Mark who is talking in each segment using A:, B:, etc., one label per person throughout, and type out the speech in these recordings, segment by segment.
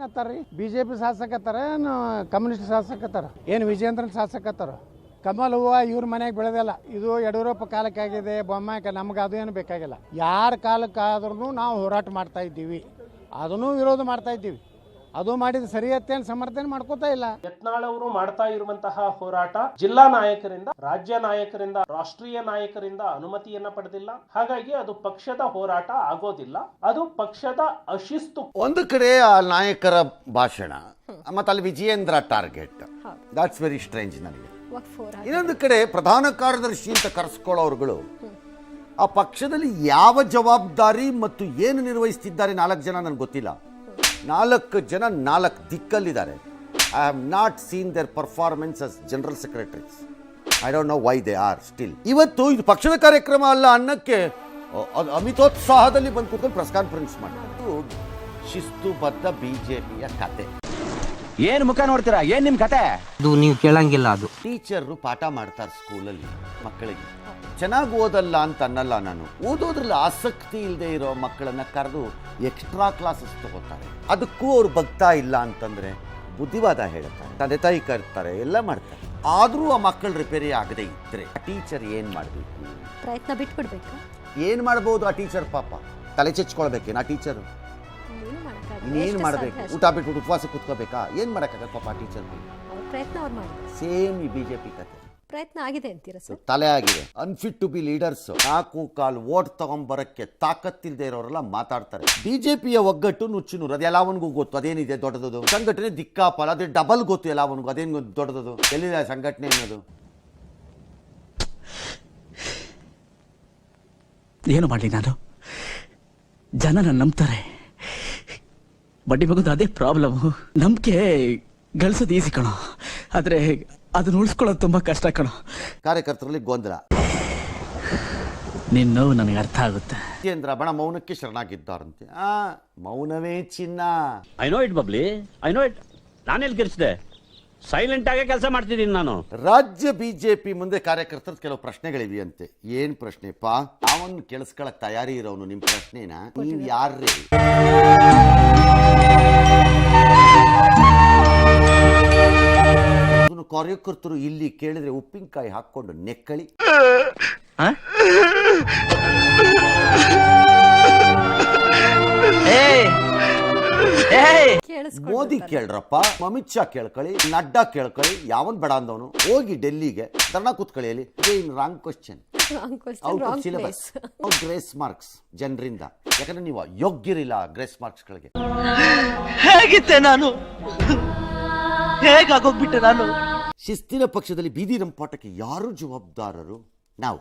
A: ಶಾಸಕತ್ತಾರ್ರಿ BJP ಶಾಸಕತ್ತಾರ ಏನು communist ಶಾಸಕತ್ತಾರ ಏನು ವಿಜೇಂದ್ರನ್ ಶಾಸಕತ್ತಾರ ಕಮಲ್ ಹೂವ ಇವ್ರ ಮನೆಗೆ ಬೆಳೆದಲ್ಲ ಇದು ಯಡಿಯೂರಪ್ಪ ಕಾಲಕ್ಕಾಗಿದೆ ಬೊಮ್ಮಾಯಿ ನಮ್ಗೆ ಅದು ಏನು ಬೇಕಾಗಿಲ್ಲ ಯಾರ ಕಾಲಕ್ಕಾದ್ರೂ ನಾವು ಹೋರಾಟ ಮಾಡ್ತಾ ಇದ್ದೀವಿ ಅದನ್ನು ವಿರೋಧ ಮಾಡ್ತಾ ಇದ್ದೀವಿ ಅದು ಮಾಡಿದ ಸರಿಯತ್ತೇನು ಸಮರ್ಥನೆ ಮಾಡ್ಕೋತಾ ಇಲ್ಲ.
B: ಯತ್ನಾಳ್ ಅವರು ಮಾಡ್ತಾ ಇರುವಂತಹ ಹೋರಾಟ ಜಿಲ್ಲಾ ನಾಯಕರಿಂದ ರಾಜ್ಯ ನಾಯಕರಿಂದ ರಾಷ್ಟ್ರೀಯ ನಾಯಕರಿಂದ ಅನುಮತಿಯನ್ನ ಪಡೆದಿಲ್ಲ. ಹಾಗಾಗಿ ಅದು ಪಕ್ಷದ ಹೋರಾಟ ಆಗೋದಿಲ್ಲ, ಅದು ಪಕ್ಷದ ಅಶಿಸ್ತು.
C: ಒಂದು ಕಡೆ ಆ ನಾಯಕರ ಭಾಷಣ ಮತ್ತೆ ಅಲ್ಲಿ Vijayendra target, that's very strange ನನಗೆ. ಇನ್ನೊಂದು ಕಡೆ ಪ್ರಧಾನ ಕಾರ್ಯದರ್ಶಿ ಅಂತ ಕರೆಸ್ಕೊಳ್ಳೋರುಗಳು ಆ ಪಕ್ಷದಲ್ಲಿ ಯಾವ ಜವಾಬ್ದಾರಿ ಮತ್ತು ಏನು ನಿರ್ವಹಿಸ್ತಿದ್ದಾರೆ 4 ಜನ ನನಗೆ ಗೊತ್ತಿಲ್ಲ. 4 ಜನ 4 ದಿಕ್ಕಲ್ಲಿದ್ದಾರೆ. I have not seen their performance as general secretaries. I don't know why they are still. ಇವತ್ತು ಇದು ಪಕ್ಷದ ಕಾರ್ಯಕ್ರಮ ಅಲ್ಲ ಅನ್ನಕ್ಕೆ ಅಮಿತೋತ್ಸಾಹದಲ್ಲಿ ಬಂದು ಕೂತ್ಕೊಂಡು ಪ್ರೆಸ್ ಕಾನ್ಫರೆನ್ಸ್ ಮಾಡಿದ್ದು ಶಿಸ್ತುಬದ್ಧ ಬಿಜೆಪಿಯ ಕತೆ.
D: ಏನ್ ಮುಖ ನೋಡ್ತೀರಾ, ಏನ್ ನಿಮ್ ಕತೆ?
E: ಅದು ನೀವು ಕೇಳಂಗಿಲ್ಲ. ಅದು
C: ಟೀಚರ್ರು ಪಾಠ ಮಾಡ್ತಾರೆ ಸ್ಕೂಲಲ್ಲಿ ಮಕ್ಕಳಿಗೆ. ಚೆನ್ನಾಗಿ ಓದಲ್ಲ ಅಂತ ಅನ್ನಲ್ಲ ನಾನು, ಓದೋದ್ರಲ್ಲಿ ಆಸಕ್ತಿ ಇಲ್ಲದೆ ಇರೋ ಮಕ್ಕಳನ್ನ ಕರೆದು ಎಕ್ಸ್ಟ್ರಾ ಕ್ಲಾಸಸ್ ತಗೋತಾರೆ. ಅದಕ್ಕೂ ಅವ್ರು ಬಗ್ತಾ ಇಲ್ಲ ಅಂತಂದ್ರೆ ಬುದ್ಧಿವಾದ ಹೇಳ್ತಾರೆ, ತಂದೆ ತಾಯಿ ಕರ್ತಾರೆ, ಎಲ್ಲ ಮಾಡ್ತಾರೆ. ಆದ್ರೂ ಆ ಮಕ್ಕಳು ರಿಪೇರಿ ಆಗದೆ ಇದ್ರೆ ಟೀಚರ್ ಏನ್ ಮಾಡ್ಬೇಕು?
F: ಪ್ರಯತ್ನ ಬಿಟ್ಬಿಡ್ಬೇಕು.
C: ಏನ್ ಮಾಡ್ಬೋದು ಆ ಟೀಚರ್? ಪಾಪ ತಲೆ ಚೆಚ್ಕೊಳ್ಬೇಕೇನು ಆ ಟೀಚರ್? ಇನ್ನೇನು ಮಾಡ್ಬೇಕು? ಊಟ ಬಿಟ್ಬಿಟ್ಟು ಉಪವಾಸ ಕೂತ್ಕೋಬೇಕಾ? ಏನ್ ಮಾಡಕ್ಕಾಗಲ್ಲ ಪಾಪ ಆ ಟೀಚರ್.
F: ಪ್ರಯತ್ನ ಅವ್ರು ಮಾಡಿ.
C: ಸೇಮ್ ಈ ಬಿಜೆಪಿ ಕತೆ.
F: ಪ್ರಯತ್ನ ಆಗಿದೆ ಅಂತೀರಾ ಸರ್?
C: ತಲೆ ಆಗಿದೆ. Unfit to be leaders. 4 ಕಾಲು ಓಟ್ ತಗೊಂಬರಕ್ಕೆ ತಾಕತ್ತಿಲ್ಲದೆ ಇರೋರೆಲ್ಲ ಮಾತಾಡ್ತಾರೆ. ಬಿಜೆಪಿಯ ಒಗ್ಗಟ್ಟು ನುಚ್ಚುನೂರು, ಅದು ಎಲ್ಲವನಿಗೂ ಗೊತ್ತು. ಅದೇನಿದೆ ದೊಡ್ಡದು ಸಂಘಟನೆ? ದಿಕ್ಕಾಪಲ ಅದೇ ಡಬಲ್ ಗೊತ್ತು ಎಲ್ಲವನಿಗೂ. ಅದೇನು ದೊಡ್ಡದು? ಎಲ್ಲಿದೆ ಸಂಘಟನೆ ಅನ್ನೋದು?
G: ಏನು ಮಾಡಲಿ ನಾನು? ಜನ ನನ್ನ ನಂಬ್ತಾರೆ. ಬಡ್ಡಿ ಮಗದು ಅದೇ ಪ್ರಾಬ್ಲಮ್. ನಂಬಿಕೆ ಗಳಿಸೋದು ಈಸಿ ಕಣೋ, ಆದ್ರೆ ಅದನ್ನ ಉಳಿಸ್ಕೊಳ್ಳೋದು ತುಂಬಾ ಕಷ್ಟ ಕಣೋ.
C: ಕಾರ್ಯಕರ್ತರಲ್ಲಿ ಗೊಂದಲ.
G: ನಿನ್ನ ನೋವು ನನಗೆ ಅರ್ಥ ಆಗುತ್ತೆ.
C: ಕೇಂದ್ರ ಬಣ ಮೌನಕ್ಕೆ ಶರಣಾಗಿದ್ದಾರಂತೆ. ಮೌನವೇ ಚಿನ್ನ.
D: I know it bubbly, I know it. ನಾನೆಲ್ಲಿ ಗೆಲ್ಸಿದೆ? ಸೈಲೆಂಟ್ ಆಗೇ ಕೆಲಸ ಮಾಡ್ತಿದ್ದೀನಿ ನಾನು.
C: ರಾಜ್ಯ ಬಿಜೆಪಿ ಮುಂದೆ ಕಾರ್ಯಕರ್ತರ ಕೆಲವು ಪ್ರಶ್ನೆಗಳಿವೆಯಂತೆ. ಏನ್ ಪ್ರಶ್ನೆಪ್ಪ? ಅವನು ಕೇಳಿಸ್ಕೊಳಕ್ ತಯಾರಿ ಇರೋನು ನಿಮ್ ಪ್ರಶ್ನೆನ ನೀವ್ ಯಾರ್ರೀ? ಕಾರ್ಯಕರ್ತರು ಇಲ್ಲಿ ಕೇಳಿದ್ರೆ ಉಪ್ಪಿನಕಾಯಿ ಹಾಕೊಂಡು ನೆಕ್ಕಳಿ. ಮೋದಿ ಕೇಳ್ರಪ್ಪ, ಅಮಿತ್ ಶಾ ಕೇಳ್ಕೊಳ್ಳಿ, ನಡ್ಡಾ ಕೇಳ್ಕೊಳ್ಳಿ, ಯಾವನ್ ಬೇಡ ಅಂದವನು ಹೋಗಿ ಡೆಲ್ಲಿಗೆ ಧರ್ನಾ ಕೂತ್ಕೊಳ್ಳಿ. ಅಲ್ಲಿ wrong question, out of syllabus, grace marks ಜನರಿಂದ. ಯಾಕಂದ್ರೆ ನೀವು ಯೋಗ್ಯರಿಲ್ಲ ಗ್ರೇಸ್ ಮಾರ್ಕ್ಸ್ಗಳಿಗೆ.
E: ಹೇಗಿದ್ದೆ ನಾನು? ಹೇಗಾಗೋಗ್ಬಿಟ್ಟೆ ನಾನು?
C: ಶಿಸ್ತಿನ ಪಕ್ಷದಲ್ಲಿ ಬೀದಿ ರಂಪಾಟಕ್ಕೆ ಯಾರು ಜವಾಬ್ದಾರರು? ನಾವು.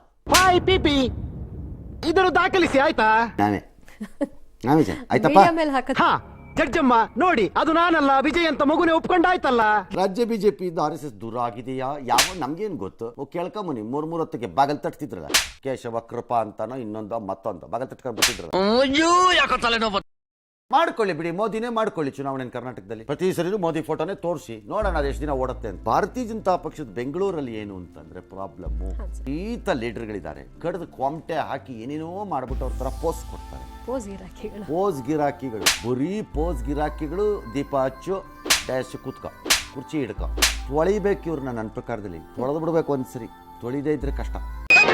A: ಇದನ್ನು ದಾಖಲಿಸಿ ಆಯ್ತಾ?
C: ನಾವೇ ಆಯ್ತಪ್ಪ.
A: ಜಡ್ಜಮ್ಮ ನೋಡಿ, ಅದು ನಾನಲ್ಲ, ವಿಜಯ್ ಅಂತ ಮಗುನೇ ಒಪ್ಕೊಂಡಾಯ್ತಲ್ಲ.
C: ರಾಜ್ಯ ಬಿಜೆಪಿಯಿಂದ RSS ದೂರ ಆಗಿದೆಯಾ? ಯಾವ ನಮ್ಗೇನ್ ಗೊತ್ತು? ಕೇಳ್ಕೊಂಬನಿ. 3 ಹೊತ್ತಿಗೆ ಬಾಗಲ್ ತಟ್ತಿದ್ರಲ್ಲ, ಕೇಶವ ಕೃಪಾ ಅಂತಾನೋ ಇನ್ನೊಂದು ಮತ್ತೊಂದು ಬಾಗಲ್ ತಟ್ಕೊಂಡು ಬರ್ತಿದ್ರಲ್ಲ. ಮಾಡ್ಕೊಳ್ಳಿ ಬಿಡಿ, ಮೋದಿನೇ ಮಾಡ್ಕೊಳ್ಳಿ ಚುನಾವಣೆ ಕರ್ನಾಟಕದಲ್ಲಿ. ಪ್ರತಿ ಸರಿನೂ ಮೋದಿ ಫೋಟೋನೇ ತೋರಿಸಿ ನೋಡೋಣ ಅದು ಎಷ್ಟು ದಿನ ಓಡುತ್ತೆ ಅಂತ. ಭಾರತೀಯ ಜನತಾ ಪಕ್ಷದ ಬೆಂಗಳೂರಲ್ಲಿ ಏನು ಅಂತಂದ್ರೆ ಪ್ರಾಬ್ಲಮ್ಮು, ಈತ ಲೀಡರ್ಗಳಿದ್ದಾರೆ, ಕಡ್ದು ಕ್ವಾಮ್ಟೆ ಹಾಕಿ ಏನೇನೋ ಮಾಡ್ಬಿಟ್ಟು ಅವ್ರ ತರ ಪೋಸ್ಟ್ ಕೊಡ್ತಾರೆ. ಪೋಸ್ ಗಿರಾಕಿಗಳು, ಬರೀ ಪೋಸ್ ಗಿರಾಕಿಗಳು. ದೀಪ ಹಚ್ಚು, ಡ್ಯಾಶ್ ಕೂತ್ಕ, ಕುರ್ಚಿ ಹಿಡ್ಕ, ತೊಳಿಬೇಕು ಇವ್ರನ್ನ. ನನ್ನ ಪ್ರಕಾರದಲ್ಲಿ ತೊಳೆದು ಬಿಡ್ಬೇಕು ಒಂದ್ಸರಿ, ತೊಳಿದೇ ಇದ್ರೆ ಕಷ್ಟ.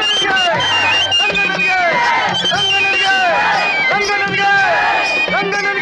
H: ರಂಗನಿಗೆ